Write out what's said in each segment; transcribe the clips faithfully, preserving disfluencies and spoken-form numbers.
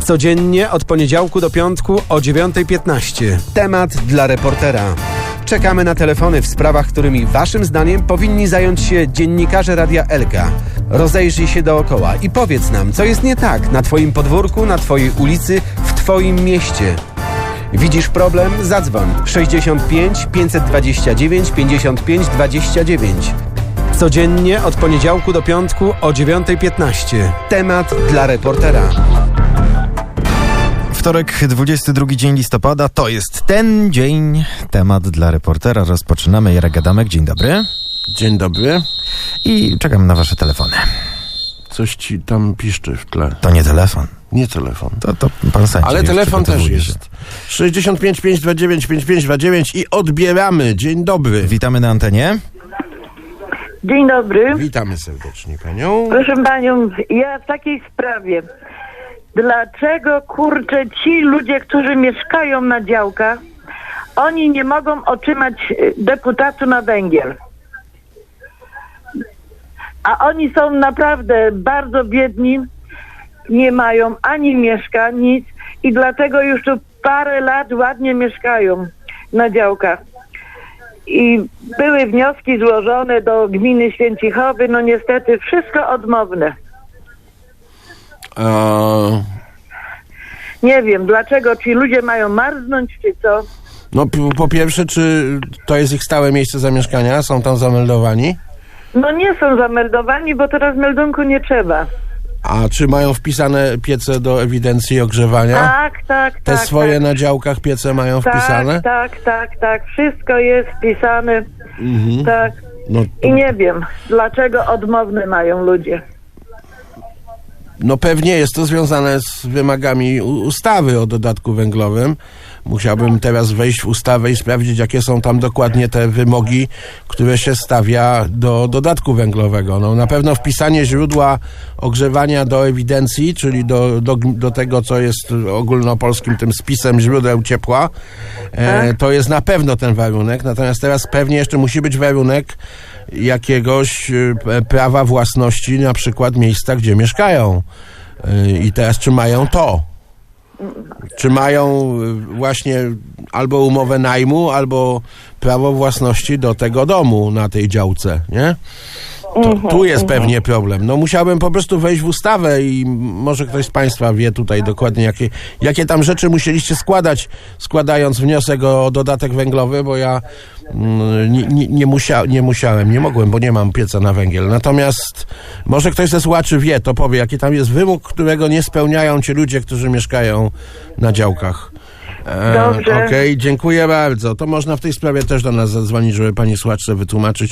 Codziennie od poniedziałku do piątku o dziewiątej piętnaście. Temat dla reportera. Czekamy na telefony w sprawach, którymi waszym zdaniem powinni zająć się dziennikarze Radia Elka. Rozejrzyj się dookoła i powiedz nam, co jest nie tak na twoim podwórku, na twojej ulicy, w twoim mieście. Widzisz problem? Zadzwoń sześćdziesiąt pięć pięćset dwadzieścia dziewięć pięćdziesiąt pięć dwadzieścia dziewięć. Codziennie od poniedziałku do piątku o dziewiątej piętnaście. Temat dla reportera. Wtorek, dwudziesty drugi dzień listopada, to jest ten dzień. Temat dla reportera. Rozpoczynamy. Jarek Adamek, dzień dobry. Dzień dobry. I czekam na wasze telefony. Coś ci tam piszczy w tle. To nie telefon. Nie telefon. To, to pan sędzia. Ale telefon też się. jest. sześćdziesiąt pięć pięćset dwadzieścia dziewięć pięćdziesiąt pięć dwadzieścia dziewięć i odbieramy. Dzień dobry. Witamy na antenie. Dzień dobry. Witamy serdecznie panią. Proszę panią, ja w takiej sprawie. Dlaczego, kurczę, ci ludzie, którzy mieszkają na działkach, oni nie mogą otrzymać deputatu na węgiel? A oni są naprawdę bardzo biedni, nie mają ani mieszka, nic i dlatego już tu parę lat ładnie mieszkają na działkach. I były wnioski złożone do gminy Święcichowy, no niestety wszystko odmowne. Eee, Nie wiem, dlaczego ci ludzie mają marznąć, czy co? no p- po pierwsze, czy to jest ich stałe miejsce zamieszkania? Są tam zameldowani? No nie są zameldowani, bo teraz meldunku nie trzeba. A czy mają wpisane piece do ewidencji ogrzewania? Tak, tak, Te tak. swoje tak. na działkach piece mają wpisane? Tak, tak, tak, tak. Wszystko jest wpisane. Mhm. Tak. No, to, I nie wiem, dlaczego odmowne mają ludzie. no pewnie jest to związane z wymogami u- ustawy o dodatku węglowym. Musiałbym teraz wejść w ustawę i sprawdzić, jakie są tam dokładnie te wymogi, które się stawia do dodatku węglowego. No, na pewno wpisanie źródła ogrzewania do ewidencji, czyli do, do, do tego, co jest ogólnopolskim tym spisem źródeł ciepła, e, to jest na pewno ten warunek. Natomiast teraz pewnie jeszcze musi być warunek jakiegoś e, prawa własności, na przykład miejsca, gdzie mieszkają. E, I teraz czy mają to? Czy mają właśnie albo umowę najmu, albo prawo własności do tego domu na tej działce, nie? To, tu jest pewnie problem. No musiałbym po prostu wejść w ustawę i może ktoś z państwa wie tutaj dokładnie, jakie, jakie tam rzeczy musieliście składać, składając wniosek o dodatek węglowy, bo ja mm, nie, nie, nie, musia, nie musiałem, nie mogłem, bo nie mam pieca na węgiel. Natomiast może ktoś ze słuchaczy wie, to powie, jaki tam jest wymóg, którego nie spełniają ci ludzie, którzy mieszkają na działkach. E, Dobrze. Okej, dziękuję bardzo. To można w tej sprawie też do nas zadzwonić, żeby pani słuchaczce wytłumaczyć,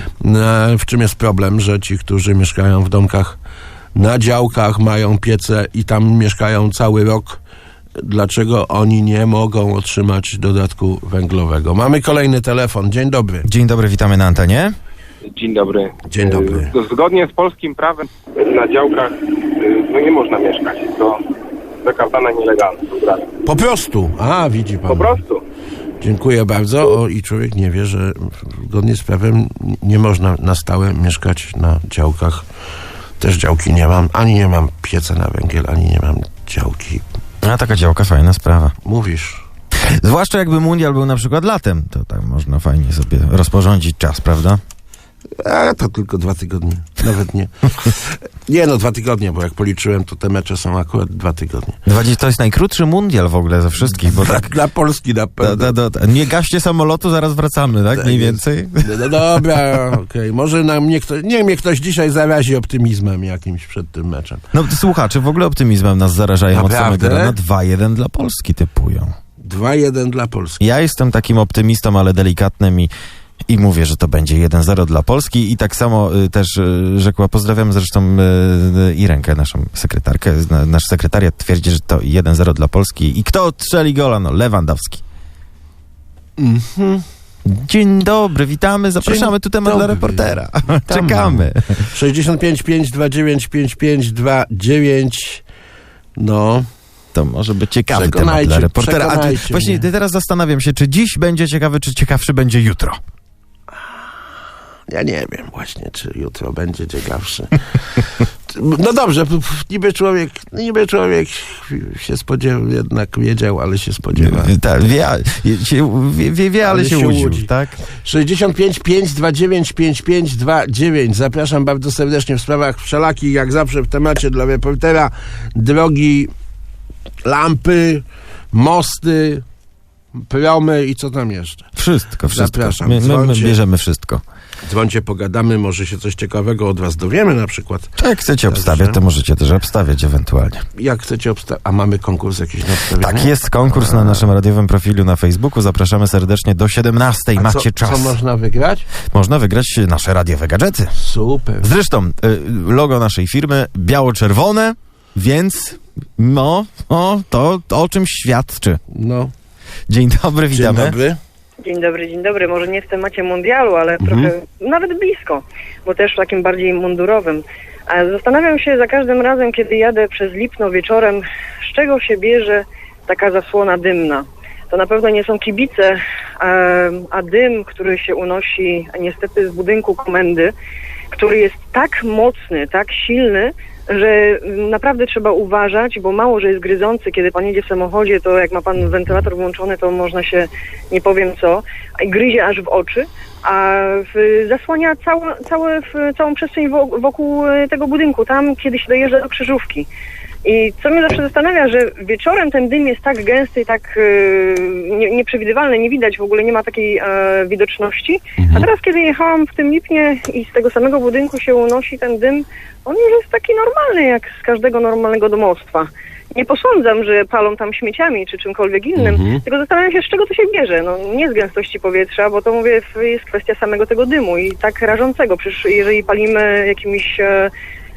e, w czym jest problem, że ci, którzy mieszkają w domkach na działkach, mają piece i tam mieszkają cały rok, dlaczego oni nie mogą otrzymać dodatku węglowego. Mamy kolejny telefon. Dzień dobry. Dzień dobry, witamy na antenie. Dzień dobry. Dzień dobry. E, Zgodnie z polskim prawem na działkach e, no nie można mieszkać. To zakazane nielegalne. Po prostu. A, widzi pan. Po prostu. Dziękuję bardzo. O, i człowiek nie wie, że zgodnie z prawem nie można na stałe mieszkać na działkach. Też działki nie mam. Ani nie mam pieca na węgiel, ani nie mam działki. A taka działka, fajna sprawa. Mówisz. Zwłaszcza jakby mundial był na przykład latem, to tak można fajnie sobie rozporządzić czas, prawda? A to tylko dwa tygodnie. Nawet nie. Nie no, dwa tygodnie, bo jak policzyłem, to te mecze są akurat dwa tygodnie. To jest najkrótszy mundial w ogóle ze wszystkich, bo Dla, tak... dla Polski na Da, pewno. da, da, da. Nie gaście samolotu, zaraz wracamy, tak? Tak Mniej jest. więcej. No, no dobra, okej. Może nam mnie ktoś, niech mnie ktoś dzisiaj zarazi optymizmem jakimś przed tym meczem. No słuchacze w ogóle optymizmem nas zarażają od Naprawdę? samego rana. dwa jeden dla Polski typują. dwa jeden dla Polski. Ja jestem takim optymistą, ale delikatnym i, i mówię, że to będzie jeden zero dla Polski i tak samo y, też y, rzekła, pozdrawiam zresztą y, Irenkę, naszą sekretarkę. Na, nasz sekretariat twierdzi, że to jeden zero dla Polski. I kto strzeli gola? No Lewandowski. Mhm. Dzień dobry, witamy, zapraszamy, Dzień tu temat dobry. dla reportera. Witamy. Czekamy. sześćdziesiąt pięć pięćset dwadzieścia dziewięć pięćdziesiąt pięć dwadzieścia dziewięć. No. To może być ciekawy temat Przekonajcie, dla reportera. A ty, przekonajcie właśnie mnie. teraz zastanawiam się, czy dziś będzie ciekawy, czy ciekawszy będzie jutro. Ja nie wiem właśnie, czy jutro będzie ciekawszy. No dobrze, p- p- niby człowiek, niby człowiek się spodziewał, jednak wiedział, ale się spodziewa. Tak, wie, się- wie, wie, wie, ale, Ale się, się łudził, łudzi. tak? sześćdziesiąt pięć pięćset dwadzieścia dziewięć pięćdziesiąt pięć dwadzieścia dziewięć. Zapraszam bardzo serdecznie w sprawach wszelakich, jak zawsze w temacie dla reportera. Drogi, lampy, mosty, promy i co tam jeszcze. Wszystko, wszystko. Zapraszam. My, my, my Dzwońcie. bierzemy wszystko. Dzwońcie, pogadamy, może się coś ciekawego od was dowiemy na przykład. Jak chcecie Dobrze. obstawiać, to możecie też obstawiać ewentualnie. Jak chcecie obstawiać? A mamy konkurs jakiś na obstawienie? Tak, jest konkurs na naszym radiowym profilu na Facebooku. Zapraszamy serdecznie do siedemnastej. A Macie co, czas. Co można wygrać? Można wygrać nasze radiowe gadżety. Super. Zresztą y, logo naszej firmy biało-czerwone, więc no, no to, to o czym świadczy. No. Dzień dobry, Dzień witamy. dobry. Dzień dobry, dzień dobry. Może nie w temacie mundialu, ale Mhm. trochę nawet blisko, bo też takim bardziej mundurowym. A zastanawiam się za każdym razem, kiedy jadę przez Lipno wieczorem, z czego się bierze taka zasłona dymna. To na pewno nie są kibice, a, a dym, który się unosi niestety z budynku komendy, który jest tak mocny, tak silny, że naprawdę trzeba uważać, bo mało, że jest gryzący. Kiedy pan jedzie w samochodzie, to jak ma pan wentylator włączony, to można się, nie powiem co, i gryzie aż w oczy, a w, zasłania całe, całe, w, całą przestrzeń wo, wokół tego budynku, tam kiedy się dojeżdża do krzyżówki. I co mnie zawsze zastanawia, że wieczorem ten dym jest tak gęsty i tak e, nie, nieprzewidywalny, nie widać, w ogóle nie ma takiej e, widoczności. A teraz, kiedy jechałam w tym Lipnie i z tego samego budynku się unosi ten dym, on już jest taki normalny, jak z każdego normalnego domostwa. Nie posądzam, że palą tam śmieciami czy czymkolwiek innym, Mhm. tylko zastanawiam się, z czego to się bierze. No, nie z gęstości powietrza, bo to mówię, jest kwestia samego tego dymu i tak rażącego. Przecież jeżeli palimy jakimiś e,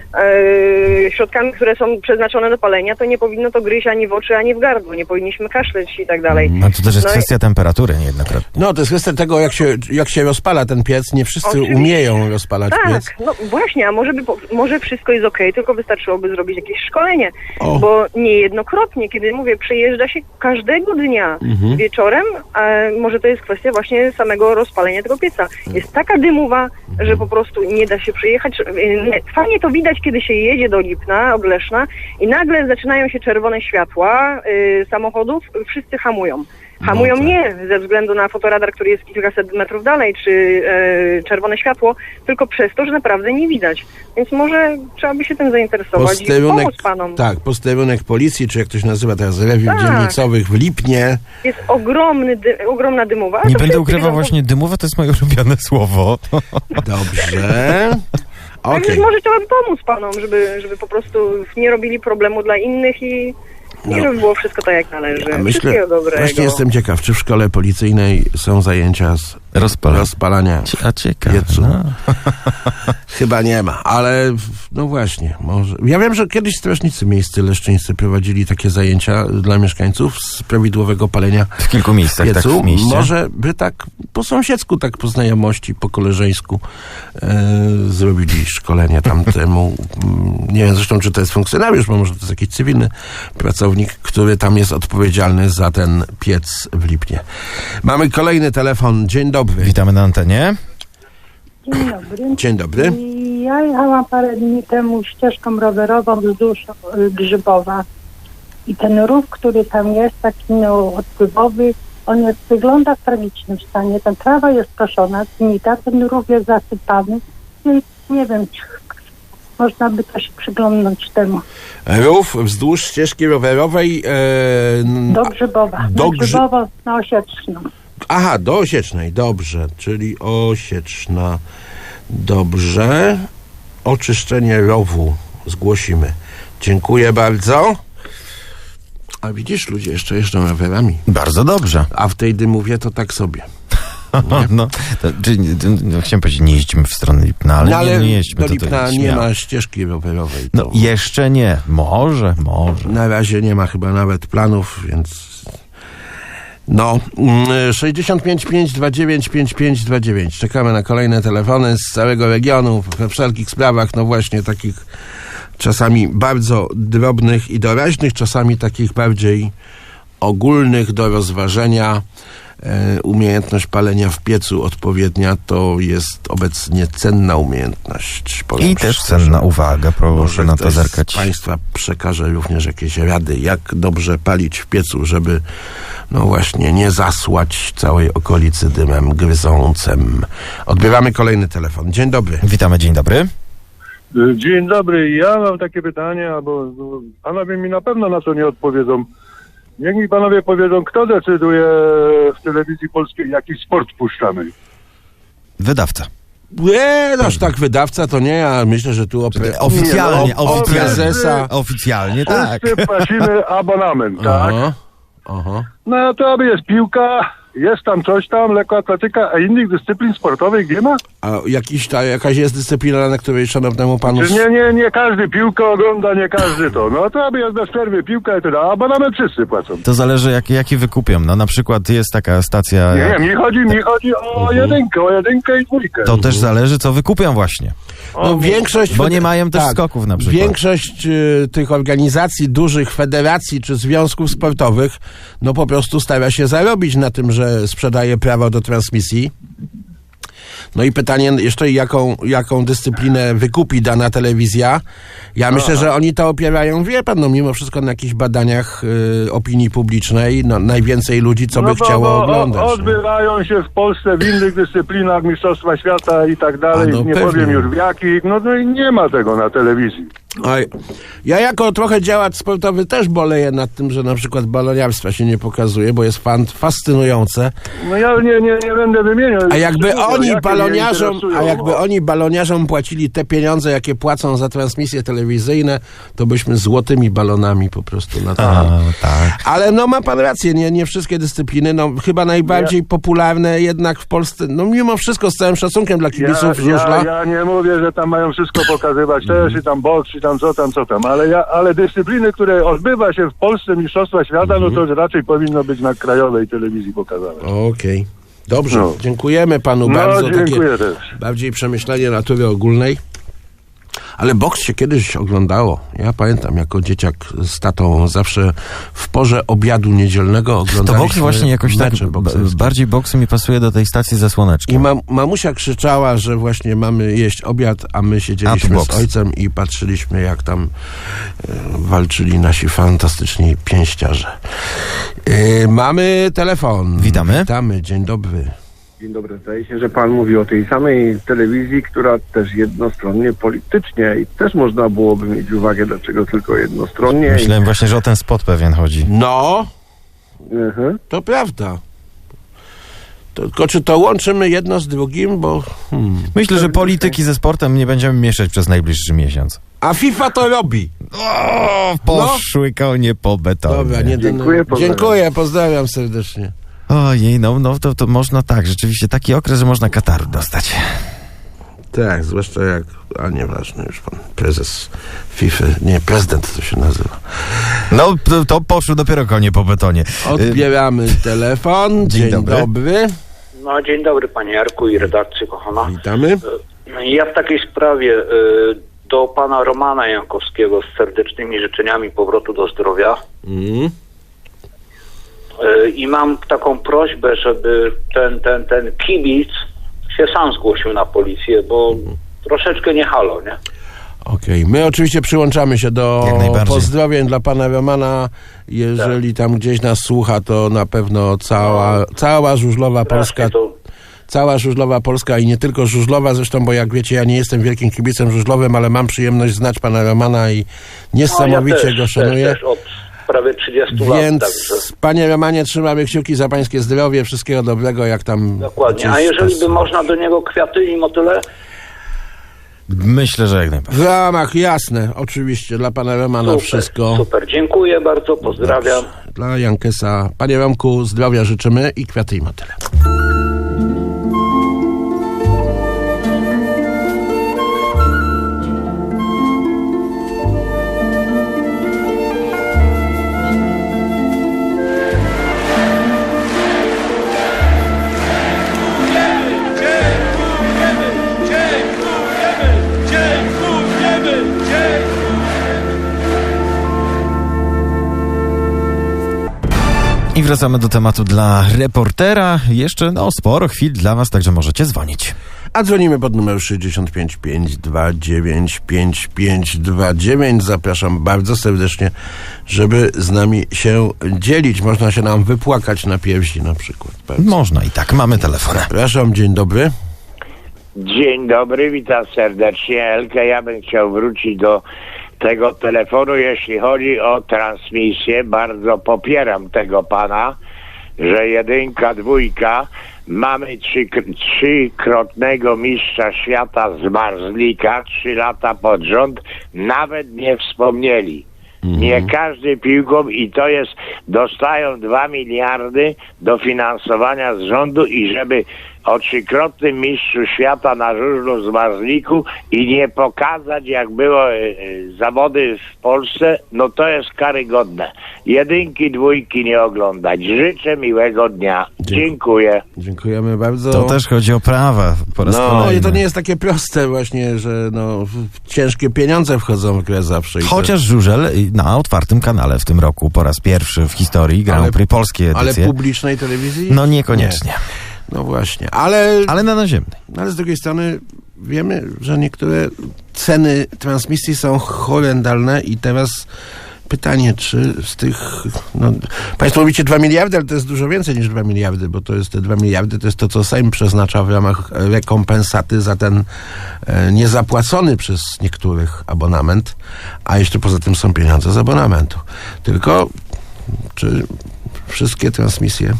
e, środkami, które są przeznaczone do palenia, to nie powinno to gryźć ani w oczy, ani w gardło. Nie powinniśmy kaszleć i tak dalej. No to też jest No i- kwestia temperatury niejednokrotnie. No, to jest kwestia tego, jak się, jak się rozpala ten piec. Nie wszyscy Oczywiście. umieją rozpalać piec. Tak, no właśnie, a może, by, po- może wszystko jest okej, tylko wystarczyłoby zrobić jakieś szkolenie, O. bo niejednokrotnie, kiedy mówię, przejeżdża się każdego dnia Mhm. wieczorem, a może to jest kwestia właśnie samego rozpalenia tego pieca. Jest taka dymowa, że po prostu nie da się przejechać. Nie, fajnie to widać, kiedy się jedzie do Lipna, od Leszna i nagle zaczynają się czerwone światła y, samochodów, wszyscy hamują. Hamują No tak. nie ze względu na fotoradar, który jest kilkaset metrów dalej, czy e, czerwone światło, tylko przez to, że naprawdę nie widać. Więc może trzeba by się tym zainteresować i pomóc panom. tak, posterunek policji, czy jak to się nazywa teraz, rewiw Tak. dzielnicowych w Lipnie. Jest ogromny dy, ogromna dymowa. Nie to będę wszyscy ukrywał wiedzą, właśnie, dymowe to jest moje ulubione słowo. Dobrze. Okej. Także może trzeba by pomóc panom, żeby, żeby po prostu nie robili problemu dla innych i, No. i żeby było wszystko tak, jak należy. A myślę, Wszystkiego dobrego. właśnie jestem ciekaw, czy w szkole policyjnej są zajęcia z Rozpalę. rozpalania. A ciekawe. Piecu. No. Chyba nie ma, ale w- no właśnie, może. Ja wiem, że kiedyś strażnicy miejscy leszczyńscy prowadzili takie zajęcia dla mieszkańców z prawidłowego palenia W kilku miejscach, tak piecu. w mieście. Może by tak po sąsiedzku, tak po znajomości, po koleżeńsku e, zrobili szkolenie tamtemu. Mm, Nie wiem zresztą, czy to jest funkcjonariusz, bo może to jest jakiś cywilny pracownik, który tam jest odpowiedzialny za ten piec w Lipnie. Mamy kolejny telefon. Dzień dobry. Witamy na antenie. Dzień dobry. Dzień dobry. Ja jechałam parę dni temu ścieżką rowerową wzdłuż y, Grzybowa i ten rów, który tam jest, taki no, odpływowy, on jest, wygląda w tragicznym stanie. Ta trawa jest koszona, zgnita, ten rów jest zasypany i nie wiem, czy można by to się przyglądnąć temu. Rów wzdłuż ścieżki rowerowej. E, n- Do Grzybowa. Do Do Grzy- Grzybowa na Osieczną. Aha, do Osiecznej, dobrze, czyli Osieczna. Dobrze. Oczyszczenie rowu zgłosimy. Dziękuję bardzo. A widzisz, ludzie jeszcze jeżdżą rowerami. Bardzo dobrze. A w tej dymowie to tak sobie. No, to, czy, no, chciałem powiedzieć, nie jeździmy w stronę Lipna, ale, No, ale nie, nie jeźdźmy. do to, to Lipna jest nie śmiało. ma ścieżki rowerowej. No To jeszcze nie. Może, może. na razie nie ma chyba nawet planów, więc... No, mm, sześćdziesiąt pięć pięćset dwadzieścia dziewięć pięćdziesiąt pięć dwadzieścia dziewięć. Czekamy na kolejne telefony z całego regionu, we wszelkich sprawach, no właśnie takich czasami bardzo drobnych i doraźnych, czasami takich bardziej ogólnych do rozważenia. e, umiejętność palenia w piecu odpowiednia to jest obecnie cenna umiejętność. Powiem I też szczerze. cenna uwaga, proszę Może na to ktoś zerkać. z Państwa przekaże również jakieś rady, jak dobrze palić w piecu, żeby no właśnie nie zasłać całej okolicy dymem gryzącym. Odbieramy kolejny telefon. Dzień dobry. Witamy, dzień dobry. Dzień dobry, ja mam takie pytanie, albo no, panowie mi na pewno na to nie odpowiedzą. Niech mi panowie powiedzą, kto decyduje w telewizji polskiej, jaki sport puszczamy. Wydawca. Nie, aż tak wydawca to nie, ja myślę, że tu o pre... Oficjalnie, Nie, no, o- oficjalnie. prezesa. Oficjalnie, tak. Wszyscy płacimy abonament, tak? Aha, aha. No to aby jest piłka, jest tam coś tam, lekkoatletyka, a innych dyscyplin sportowych nie ma? A jakiś, ta, jakaś jest dyscyplina, na której szanownemu panu... Czy nie, nie, nie każdy piłkę ogląda, nie każdy to. No to aby jest bez przerwy piłka i tyle, a abonament wszyscy płacą. To zależy, jaki, jaki wykupią. No na przykład jest taka stacja... Nie, nie, mi chodzi, mi chodzi o jedynkę, o jedynkę i dwójkę. To też zależy, co wykupią właśnie. No, większość... Bo nie mają też skoków na przykład. Większość y, tych organizacji, dużych federacji czy związków sportowych, no po prostu stara się zarobić na tym, że sprzedaje prawo do transmisji. No i pytanie jeszcze, jaką, jaką dyscyplinę wykupi dana telewizja. Ja myślę, że oni to opierają, wie pan, no mimo wszystko na jakichś badaniach y, opinii publicznej, no najwięcej ludzi, co by no bo, chciało bo oglądać. o- nie? Odbywają się w Polsce w innych dyscyplinach Mistrzostwa Świata i tak dalej, A no nie pewnie. powiem już w jakich, no, no i nie ma tego na telewizji. Oj, ja jako trochę działacz sportowy też boleję nad tym, że na przykład baloniarstwa się nie pokazuje, bo jest fan fascynujące. No ja nie, nie, nie będę wymieniał. A jakby szczegółów, oni jakie mnie baloniarzom, interesują. a jakby oni baloniarzom płacili te pieniądze, jakie płacą za transmisje telewizyjne, to byśmy złotymi balonami po prostu na to. A, tak. Ale no ma pan rację, nie, nie wszystkie dyscypliny, no chyba najbardziej popularne jednak w Polsce, no mimo wszystko z całym szacunkiem dla Ja, kibiców żużla. ja, ja nie mówię, że tam mają wszystko pokazywać też i tam boks i tam co tam, co tam, ale, ja, ale dyscypliny, które odbywa się w Polsce Mistrzostwa Świata, no to raczej powinno być na krajowej telewizji pokazane. Okej. Dobrze, No. dziękujemy panu No, bardzo. dziękuję Takie też. bardziej przemyślenie natury ogólnej. Ale boks się kiedyś oglądało. Ja pamiętam, jako dzieciak z tatą zawsze w porze obiadu niedzielnego To oglądaliśmy boks właśnie jakoś tak, mecze b- bokserskie. bardziej boksy mi pasuje do tej stacji ze I słoneczkiem. mam, mamusia krzyczała, że właśnie mamy jeść obiad, a my A siedzieliśmy tu z boks. ojcem i patrzyliśmy, jak tam e, walczyli nasi fantastyczni pięściarze. E, mamy telefon. Witamy. Witamy, dzień dobry. Dzień dobry. Zdaje się, że pan mówi o tej samej telewizji, która też jednostronnie politycznie i też można byłoby mieć uwagę, dlaczego tylko jednostronnie. Myślałem właśnie, że o ten spot pewien chodzi. No, I, mhm. to prawda. To, tylko czy to łączymy jedno z drugim, bo... Hmm. Myślę, że polityki ze sportem nie będziemy mieszać przez najbliższy miesiąc. A FIFA to robi. O, poszły konie po betonie. Dobra, nie Dziękuję, pozdrawiam. Dziękuję, pozdrawiam serdecznie. Ojej, no, no to, to można tak, rzeczywiście taki okres, że można kataru dostać. Tak, zwłaszcza jak... A nieważne już pan, prezes FIFA, nie, prezydent to się nazywa. No, to, to poszły dopiero konie po betonie. Odbieramy telefon. Dzień, dobry. dobry. No, dzień dobry panie Jarku i redakcji kochana. Witamy. Ja w takiej sprawie y, do pana Romana Jankowskiego z serdecznymi życzeniami powrotu do zdrowia. Mm. Y, I mam taką prośbę, żeby ten, ten, ten kibic się sam zgłosił na policję, bo troszeczkę nie halo, nie? Okej, my oczywiście przyłączamy się do Jak najbardziej. pozdrowień dla pana Romana. Jeżeli tam gdzieś nas słucha, to na pewno cała, cała żużlowa Polska, Strasznie to, cała żużlowa Polska i nie tylko żużlowa zresztą, bo jak wiecie, ja nie jestem wielkim kibicem żużlowym, ale mam przyjemność znać pana Romana i niesamowicie no, ja też, go szanuję. Też, też od prawie trzydziestu lat, Więc także panie Romanie, trzymamy kciuki za pańskie zdrowie, wszystkiego dobrego, jak tam... dokładnie. A gdzieś jeżeli to- by można do niego kwiaty i motyle? Myślę, że jak najbardziej. W ramach, jasne, oczywiście, dla pana Romana Super, wszystko. super, dziękuję bardzo, pozdrawiam. Dla Jankesa. Panie Romku, zdrowia życzymy i kwiaty i motyle. I wracamy do tematu dla reportera. Jeszcze no sporo chwil dla was, także możecie dzwonić. A dzwonimy pod numer sześćdziesiąt pięć pięćset dwadzieścia dziewięć pięćdziesiąt pięć dwadzieścia dziewięć. Zapraszam bardzo serdecznie, żeby z nami się dzielić. Można się nam wypłakać na piersi na przykład. Bardzo. Można i tak. Mamy telefon. Zapraszam, dzień dobry. Dzień dobry, witam serdecznie. Elkę, ja bym chciał wrócić do tego telefonu, jeśli chodzi o transmisję. Bardzo popieram tego pana, że jedynka, dwójka, mamy trzy, trzykrotnego mistrza świata z Marzlika, trzy lata pod rząd, nawet nie wspomnieli. Mhm. Nie każdy piłką i to jest, dostają dwa miliardy dofinansowania z rządu i żeby o trzykrotnym mistrzu świata na żużlu z Marzliku i nie pokazać, jak było y, y, zawody w Polsce, no to jest karygodne. Jedynki, dwójki nie oglądać. Życzę miłego dnia. Dziękuję. Dziękujemy bardzo. To też chodzi o prawa po raz No kolejny. i to nie jest takie proste właśnie, że no, ciężkie pieniądze wchodzą w grę zawsze. Chociaż żużel na otwartym kanale w tym roku po raz pierwszy w historii Grand Prix polskiej edycji. Ale publicznej telewizji? No niekoniecznie. Nie. No właśnie, ale... Ale na naziemnej. Ale z drugiej strony wiemy, że niektóre ceny transmisji są horrendalne i teraz pytanie, czy z tych... No, państwo mówicie dwa miliardy, ale to jest dużo więcej niż dwa miliardy, bo to jest te dwa miliardy, to jest to, co Sejm przeznacza w ramach rekompensaty za ten e, niezapłacony przez niektórych abonament, a jeszcze poza tym są pieniądze z abonamentu. Tylko czy wszystkie transmisje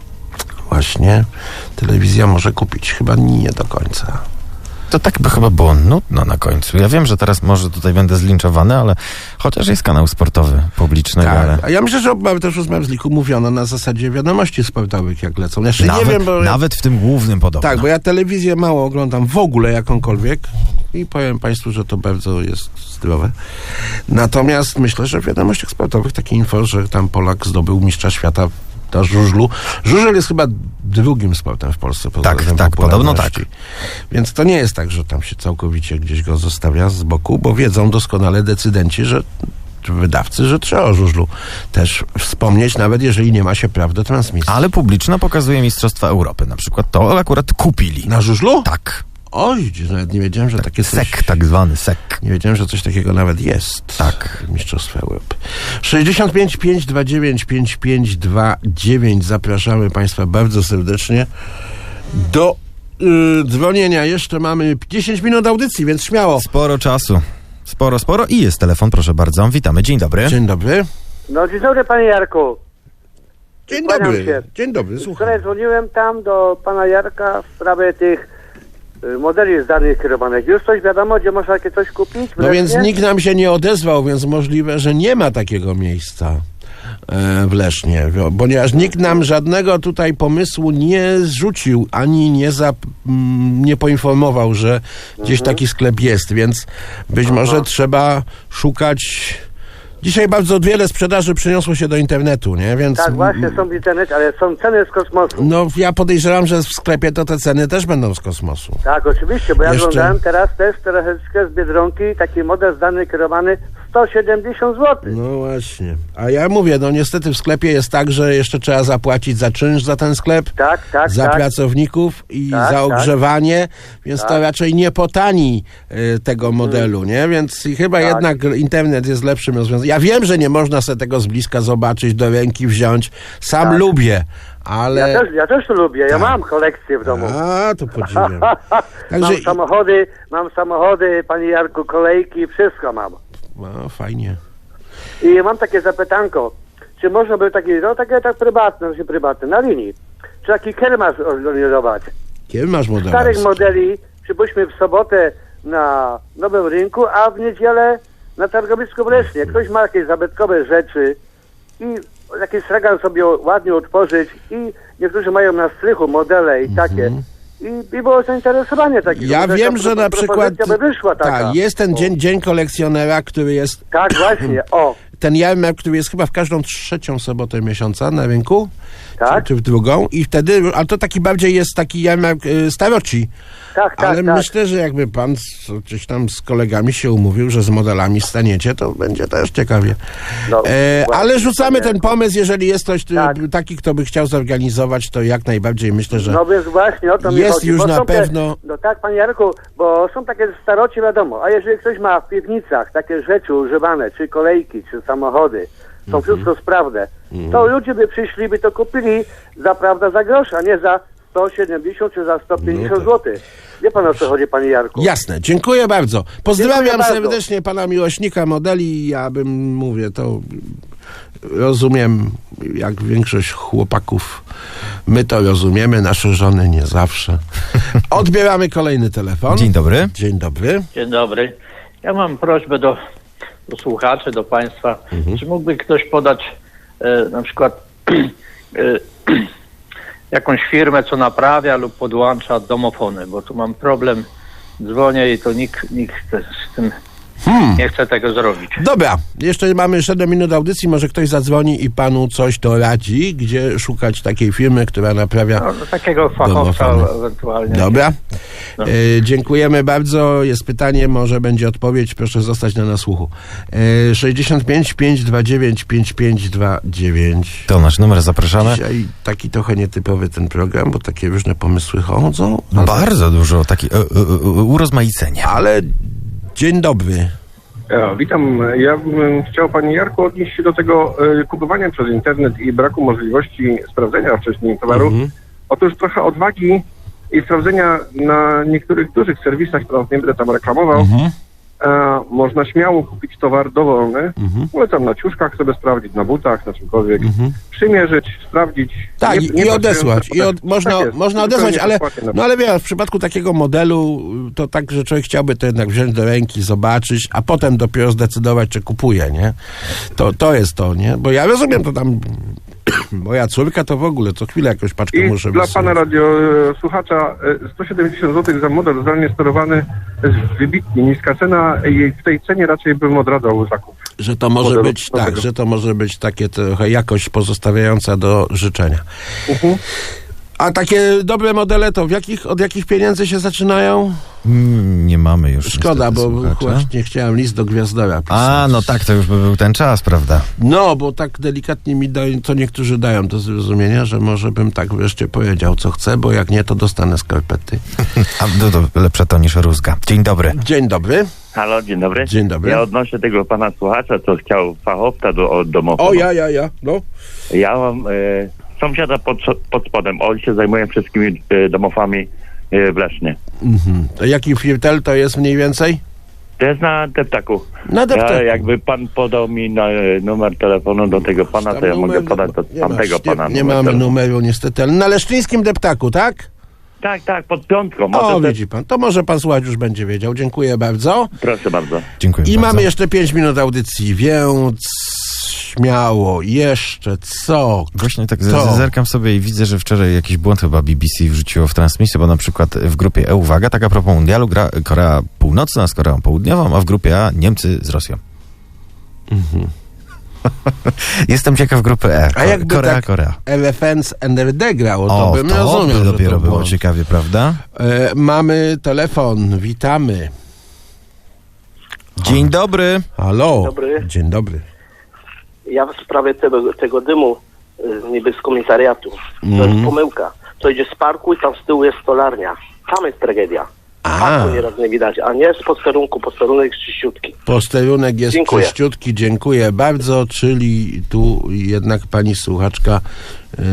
właśnie telewizja może kupić? Chyba nie do końca. To tak by chyba było nudno na końcu. Ja wiem, że teraz może tutaj będę zlinczowany, ale chociaż jest kanał sportowy publiczny. Tak, ale... a ja myślę, że też o Zmarzliku mówiono na zasadzie wiadomości sportowych, jak lecą. Jeszcze nawet, nie wiem, bo nawet w tym głównym podobno. Tak, bo ja telewizję mało oglądam w ogóle jakąkolwiek i powiem państwu, że to bardzo jest zdrowe. Natomiast myślę, że w wiadomościach sportowych takie info, że tam Polak zdobył mistrza świata do żużlu. Żużel jest chyba drugim sportem w Polsce. Pod tak, tak, podobno tak. Więc to nie jest tak, że tam się całkowicie gdzieś go zostawia z boku, bo wiedzą doskonale decydenci, że wydawcy, że trzeba o żużlu też wspomnieć, nawet jeżeli nie ma się praw do transmisji. Ale publiczna pokazuje Mistrzostwa Europy. Na przykład to akurat kupili. Na żużlu? Tak. Oj, nawet nie wiedziałem, że tak, takie coś... Sek, tak zwany sek. Nie wiedziałem, że coś takiego nawet jest. Tak. Mistrzostwa Europy. sześćdziesiąt pięć pięćset dwadzieścia dziewięć pięćdziesiąt pięć dwadzieścia dziewięć. Zapraszamy państwa bardzo serdecznie do yy, dzwonienia. Jeszcze mamy dziesięć minut audycji, więc śmiało. Sporo czasu. Sporo, sporo. I jest telefon, proszę bardzo. Witamy. Dzień dobry. Dzień dobry. No dzień dobry, panie Jarku. Dzień Kłaniam dobry. się. Dzień dobry, słucham. Wczoraj dzwoniłem tam do pana Jarka w sprawie tych y, modeli zdalnych kierowanych. Już coś wiadomo, gdzie można takie coś kupić? No więc nikt nam się nie odezwał, więc możliwe, że nie ma takiego miejsca e, w Lesznie, ponieważ nikt nam żadnego tutaj pomysłu nie zrzucił, ani nie, za, m, nie poinformował, że gdzieś Mhm. taki sklep jest, więc być Aha. może trzeba szukać. Dzisiaj bardzo wiele sprzedaży przeniosło się do internetu, nie? Więc Tak, właśnie, są w internecie, ale są ceny z kosmosu. no ja podejrzewam, że w sklepie to te ceny też będą z kosmosu. Tak, oczywiście, bo ja Jeszcze- oglądałem teraz też troszeczkę z Biedronki, taki model zdalny kierowany sto siedemdziesiąt złotych. No właśnie. A ja mówię, no niestety w sklepie jest tak, że jeszcze trzeba zapłacić za czynsz za ten sklep, Tak, tak, za tak. pracowników i Tak, za tak. ogrzewanie, więc to Tak. raczej nie potani y, tego modelu, nie? Więc i chyba Tak. jednak internet jest lepszym rozwiązaniem. Ja wiem, że nie można sobie tego z bliska zobaczyć, do ręki wziąć. Sam Tak. lubię, ale... Ja też, ja też to lubię, ja Tak. mam kolekcję w domu. A, to podziwiam. Także... Mam samochody, mam samochody, panie Jarku, kolejki, wszystko mam. No, fajnie. I mam takie zapytanko, czy można by taki, no takie tak prywatne, znaczy prywatne, na linii, czy taki kiermasz organizować? Kiedy masz model? Starych modeli, przypuśćmy w sobotę na Nowym Rynku, a w niedzielę na targowisku w Lesznie. Ktoś ma jakieś zabytkowe rzeczy i jakiś stragan sobie ładnie utworzyć i niektórzy mają na strychu modele i takie. I, I było zainteresowanie takiego. Ja Może wiem, ta że na propozycja przykład by wyszła taka. tak, jest ten O. dzień, dzień kolekcjonera, który jest Tak, właśnie, o. ten jarmark, który jest chyba w każdą trzecią sobotę miesiąca na rynku, Tak? czy, czy w drugą, i wtedy, a to taki bardziej jest taki jarmark y, staroci. Tak, tak, Ale tak. myślę, że jakby pan z, gdzieś tam z kolegami się umówił, że z modelami staniecie, to będzie też ciekawie. No, e, właśnie, ale rzucamy panie- ten pomysł, jeżeli jest ktoś y, Tak. taki, kto by chciał zorganizować, to jak najbardziej myślę, że No więc właśnie o to mi jest chodzi. już bo na są te- pewno... No tak, panie Jarku, bo są takie staroci, wiadomo, a jeżeli ktoś ma w piwnicach takie rzeczy używane, czy kolejki, czy samochody, są Mhm. wszystko sprawne, to ludzie by przyszli, by to kupili za prawda za grosz, a nie za sto siedemdziesiąt czy za sto pięćdziesiąt No tak. złotych. Wie pan, o co chodzi, panie Jarku? Jasne, dziękuję bardzo. Pozdrawiam Dziękuję bardzo. serdecznie pana miłośnika modeli. Ja bym, mówię, to rozumiem, jak większość chłopaków, my to rozumiemy, nasze żony nie zawsze. Odbieramy kolejny telefon. Dzień dobry. Dzień dobry. Dzień dobry. Ja mam prośbę do, do słuchaczy, do państwa. Mhm. Czy mógłby ktoś podać e, na przykład e, jakąś firmę, co naprawia lub podłącza domofony, bo tu mam problem, dzwonię i to nikt, nikt z tym Hmm. nie chce tego zrobić. Dobra, jeszcze mamy siedem minut audycji, może ktoś zadzwoni i panu coś doradzi, gdzie szukać takiej firmy, która naprawia No, no, takiego fachowca domofony. ewentualnie. Dobra. No. E, dziękujemy bardzo. Jest pytanie, może będzie odpowiedź. Proszę zostać na nasłuchu. E, sześćdziesiąt pięć pięćset dwadzieścia dziewięć pięćdziesiąt pięć dwadzieścia dziewięć. To nasz numer, zapraszamy. Dzisiaj taki trochę nietypowy ten program, bo takie różne pomysły chodzą. Ale, Bardzo dużo, taki e, e, e, urozmaicenia. ale dzień dobry. Ja, witam. Ja bym chciał, panie Jarku, odnieść się do tego e, kupowania przez internet i braku możliwości sprawdzenia wcześniej towaru. Mhm. Otóż trochę odwagi i sprawdzenia na niektórych dużych serwisach, które nie będę tam reklamował. Mhm. E, można śmiało kupić towar dowolny. Mhm. Polecam na ciuszkach sobie sprawdzić, na butach, na czymkolwiek. Mhm. Przymierzyć, sprawdzić. Tak, Nie- i, nie i odesłać. patrząc I na od, potem. można, Tak jest, można zupełnie odesłać, ale, bezpłatnie na no ale wie, w przypadku takiego modelu to tak, że człowiek chciałby to jednak wziąć do ręki, zobaczyć, a potem dopiero zdecydować, czy kupuje, nie? To, to jest to, nie? Bo ja rozumiem, to tam moja córka to w ogóle co chwilę jakąś paczkę I muszę dla wysyłać. pana radiosłuchacza e, sto siedemdziesiąt złotych za model zdalnie sterowany jest wybitnie niska cena i w tej cenie raczej bym odradzał zakup. Że to może modelu być, tak, nowego. że to może być takie trochę jakość pozostawiająca do życzenia. Mhm. A takie dobre modele to w jakich, od jakich pieniędzy się zaczynają? Mm, Nie mamy już. Szkoda, niestety, bo słuchacza. właśnie chciałem list do Gwiazdora pisać. A, no tak, to już by był ten czas, prawda? No, bo tak delikatnie mi dają, co niektórzy dają do zrozumienia, że może bym tak wreszcie powiedział, co chcę, bo jak nie, to dostanę skarpety. A no, to lepsze to niż rózga. Dzień dobry. Dzień dobry. Halo, dzień dobry. Dzień dobry. Ja odnoszę tego pana słuchacza, co chciał fachowca do od domofonu. O, ja, ja, ja, no. Ja mam e, sąsiada pod, pod spodem. On się zajmuje wszystkimi e, domofami e, w Lesznie. Mhm. To jaki firtel to jest mniej więcej? To jest na deptaku. Na deptaku. Ja, jakby pan podał mi na, e, numer telefonu do tego pana, to ja mogę numer- podać do nie tamtego masz, pana. Nie, nie numer mamy telefonu. numeru niestety, ale na leszczyńskim deptaku, tak? Tak, tak, pod piątką. O, Może widzi pan. To może pan słuchać już będzie wiedział. Dziękuję bardzo. te... Proszę bardzo. Dziękuję I bardzo. mamy jeszcze pięć minut audycji, więc śmiało, jeszcze co? Właśnie tak Kto? z- zerkam sobie i widzę, że wczoraj jakiś błąd chyba B B C wrzuciło w transmisję, bo na przykład w grupie E, uwaga, tak a propos mundialu, gra Korea Północna z Koreą Południową, a w grupie A Niemcy z Rosją. Mhm. Jestem ciekaw grupy E. A jakby Korea, tak Korea. Elephants and N D grało, to O, bym to rozumiał, by że dopiero to było błąd. ciekawie, prawda? E, mamy telefon, witamy. Dzień dobry. Halo. Dzień dobry. Dzień dobry. Ja w sprawie tego, tego dymu y, niby z komisariatu. To Mhm. jest pomyłka. To idzie z parku i tam z tyłu jest stolarnia. Tam jest tragedia. A. Parku nieraz nie widać, a nie z posterunku. Posterunek z czyściutki. Posterunek jest Dziękuję. czyściutki, dziękuję bardzo, czyli tu jednak pani słuchaczka yy,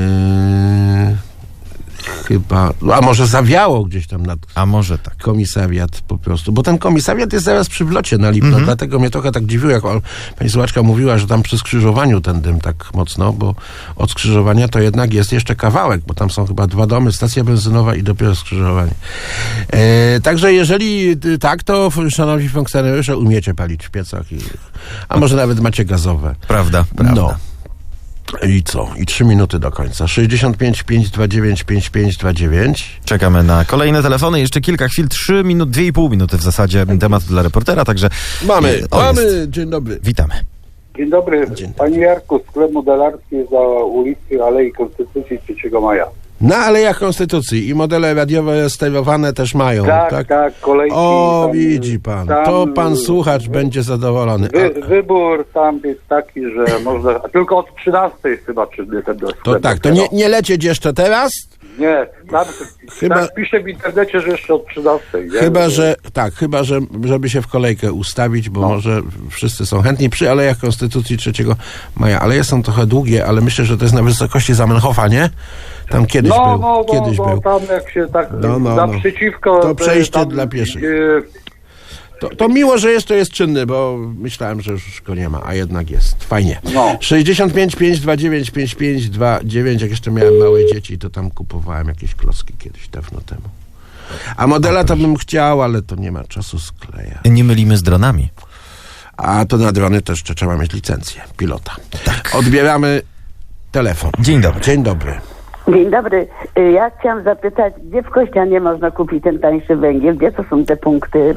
chyba, a może zawiało gdzieś tam nad A może tak. komisariat po prostu, bo ten komisariat jest zaraz przy wlocie na Lipno, Mhm. dlatego mnie trochę tak dziwiło, jak on, pani słuchaczka mówiła, że tam przy skrzyżowaniu ten dym tak mocno, bo od skrzyżowania to jednak jest jeszcze kawałek, bo tam są chyba dwa domy, stacja benzynowa i dopiero skrzyżowanie. E, także jeżeli y, tak, to szanowni funkcjonariusze umiecie palić w piecach, i, a może nawet macie gazowe. Prawda, prawda. No. I co? I trzy minuty do końca. sześćdziesiąt pięć pięćset dwadzieścia dziewięć pięćdziesiąt pięć dwadzieścia dziewięć. Czekamy na kolejne telefony. Jeszcze kilka chwil, trzy minut, dwie i pół minuty w zasadzie temat dla reportera, także Mamy, e, o, mamy, jest. dzień dobry. Witamy. Dzień dobry. Dzień. Panie Jarku, sklep modelarski za ulicy Alei Konstytucji trzeciego maja. Na Alejach Konstytucji i modele radiowe sterowane też mają, tak? Tak, tak, kolejki. O, tam, widzi pan, tam, to pan słuchacz wy, będzie zadowolony. Wy, wybór tam jest taki, że można, tylko od trzynastej chyba czy ten do sklepu. To tak, to nie, nie lecieć jeszcze teraz? Nie, tam, Chyba- tam pisze w internecie, że jeszcze od trzynastej. Nie? Chyba, że tak, chyba, że żeby się w kolejkę ustawić, bo No. może wszyscy są chętni przy Alejach Konstytucji trzeciego maja. Aleje są trochę długie, ale myślę, że to jest na wysokości Zamenhofa, nie? Tam kiedyś no, był. no, no, kiedyś no, był. tam jak się tak No, no, no. naprzeciwko... To przejście tam, dla pieszych. y, To, to miło, że jest, to jest czynny, bo myślałem, że już go nie ma, a jednak jest. Fajnie. No. sześćdziesiąt pięć pięćset dwadzieścia dziewięć pięćdziesiąt pięć dwadzieścia dziewięć, jak jeszcze miałem małe dzieci, to tam kupowałem jakieś klocki kiedyś, dawno temu. A modela to bym chciał, ale to nie ma czasu skleja. Nie mylimy z dronami. A to na drony też trzeba mieć licencję pilota. Tak. Odbieramy telefon. Dzień dobry. Dzień dobry. Dzień dobry. Y, Ja chciałam zapytać, gdzie w Kościanie można kupić ten tańszy węgiel? Gdzie to są te punkty?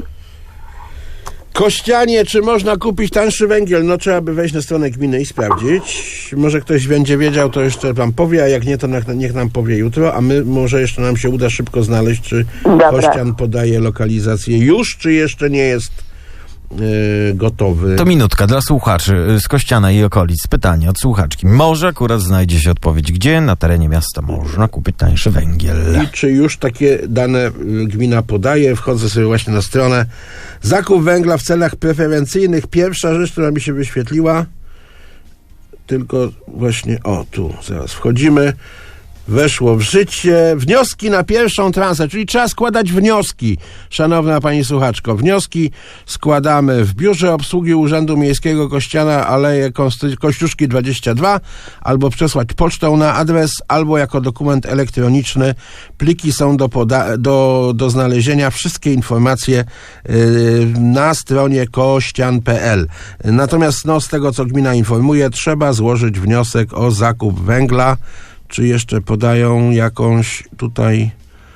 Kościanie, czy można kupić tańszy węgiel? No trzeba by wejść na stronę gminy i sprawdzić. Może ktoś będzie wiedział, to jeszcze wam powie, a jak nie, to niech, niech nam powie jutro, a my może jeszcze nam się uda szybko znaleźć, czy Dobra. Kościan podaje lokalizację już, czy jeszcze nie jest yy, gotowy. To minutka dla słuchaczy z Kościana i okolic. Pytanie od słuchaczki. Może akurat znajdzie się odpowiedź, gdzie na terenie miasta można kupić tańszy węgiel. I czy już takie dane y, gmina podaje? Wchodzę sobie właśnie na stronę. Zakup węgla w celach preferencyjnych. Pierwsza rzecz, która mi się wyświetliła, tylko właśnie, o tu, zaraz wchodzimy. Weszło w życie. Wnioski na pierwszą transę, czyli trzeba składać wnioski, szanowna pani słuchaczko. Wnioski składamy w Biurze Obsługi Urzędu Miejskiego Kościana, Aleje Konsty- Kościuszki dwadzieścia dwa, albo przesłać pocztą na adres, albo jako dokument elektroniczny. Pliki są do, poda- do, do znalezienia. Wszystkie informacje yy, na stronie kościan kropka p l. Natomiast no, z tego, co gmina informuje, trzeba złożyć wniosek o zakup węgla. Czy jeszcze podają jakąś tutaj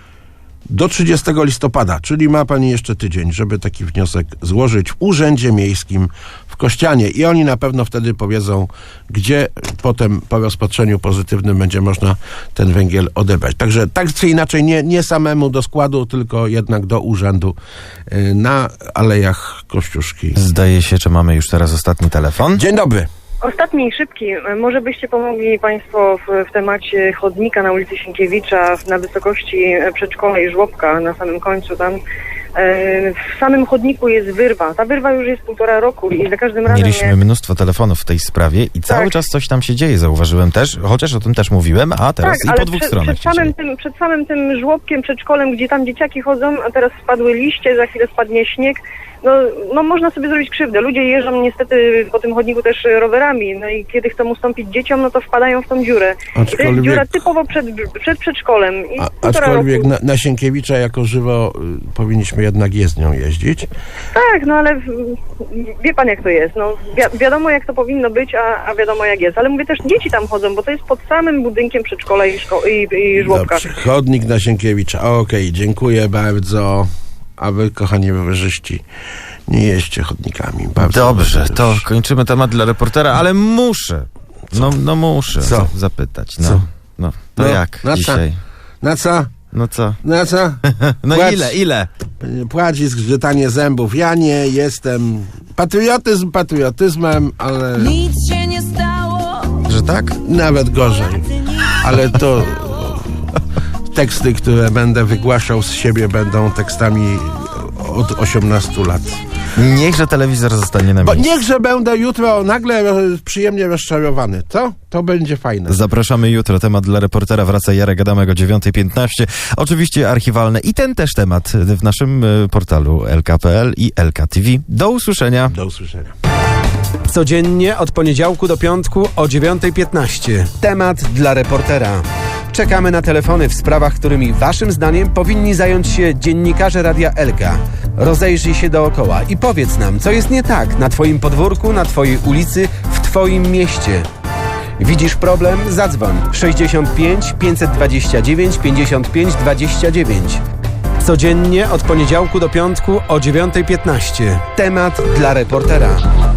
do trzydziestego listopada, czyli ma pani jeszcze tydzień, żeby taki wniosek złożyć w Urzędzie Miejskim w Kościanie i oni na pewno wtedy powiedzą, gdzie potem po rozpatrzeniu pozytywnym będzie można ten węgiel odebrać. Także tak czy inaczej nie, nie samemu do składu, tylko jednak do urzędu y, na Alejach Kościuszki. Zdaje się, że mamy już teraz ostatni telefon. Dzień dobry. Ostatni i szybki. Może byście pomogli Państwo w, w temacie chodnika na ulicy Sienkiewicza na wysokości przedszkola i żłobka na samym końcu tam. E, w samym chodniku jest wyrwa. Ta wyrwa już jest półtora roku i za każdym razem... Mieliśmy jak... mnóstwo telefonów w tej sprawie i cały Tak. czas coś tam się dzieje, zauważyłem też, chociaż o tym też mówiłem, a teraz tak, i ale po dwóch przed, stronach przed się dzieje. samym, tym, przed samym tym żłobkiem, przedszkolem, gdzie tam dzieciaki chodzą, a teraz spadły liście, za chwilę spadnie śnieg. No, no można sobie zrobić krzywdę. Ludzie jeżdżą niestety po tym chodniku też rowerami, no i kiedy chcą ustąpić dzieciom, no to wpadają w tą dziurę. I to Aczkolwiek- jest dziura typowo przed, przed przedszkolem. I A, półtora aczkolwiek roku. na, na Sienkiewicza jako żywo y, powinniśmy jednak jezdnią jeździć. Tak, no ale w- wie pan jak to jest. No, wi- wiadomo jak to powinno być, a, a wiadomo jak jest. Ale mówię też, dzieci tam chodzą, bo to jest pod samym budynkiem przedszkola i, szko- i, i żłobka. Dobrze, chodnik na Sienkiewicza. Okej, dziękuję bardzo. A wy, kochani rowerzyści, nie jeźdźcie chodnikami. Bardzo Dobrze, proszę. to kończymy temat dla reportera, ale muszę, no, no muszę Co? za- zapytać. No, Co? no to No, jak na co? dzisiaj? Na co? No co? Na co? No Płacz. ile, ile? Płacz i zgrzytanie zębów. Ja nie jestem... Patriotyzm patriotyzmem, ale... Nic się nie stało. Że tak? Nawet gorzej. Ale to... Teksty, które będę wygłaszał z siebie, będą tekstami od osiemnastu lat. Niechże telewizor zostanie na Bo miejscu. niechże będę jutro nagle przyjemnie rozczarowany. Co? To będzie fajne. Zapraszamy jutro. Temat dla reportera wraca Jarek Adamek o dziewiąta piętnaście. Oczywiście archiwalne i ten też temat w naszym y, portalu L K kropka P L i L K T V. Do usłyszenia. Do usłyszenia. Codziennie od poniedziałku do piątku o dziewiąta piętnaście. Temat dla reportera. Czekamy na telefony w sprawach, którymi waszym zdaniem powinni zająć się dziennikarze Radia Elka. Rozejrzyj się dookoła i powiedz nam, co jest nie tak na twoim podwórku, na twojej ulicy, w twoim mieście. Widzisz problem? Zadzwoń sześćdziesiąt pięć pięćset dwadzieścia dziewięć pięćdziesiąt pięć dwadzieścia dziewięć. Codziennie od poniedziałku do piątku o dziewiąta piętnaście. Temat dla reportera.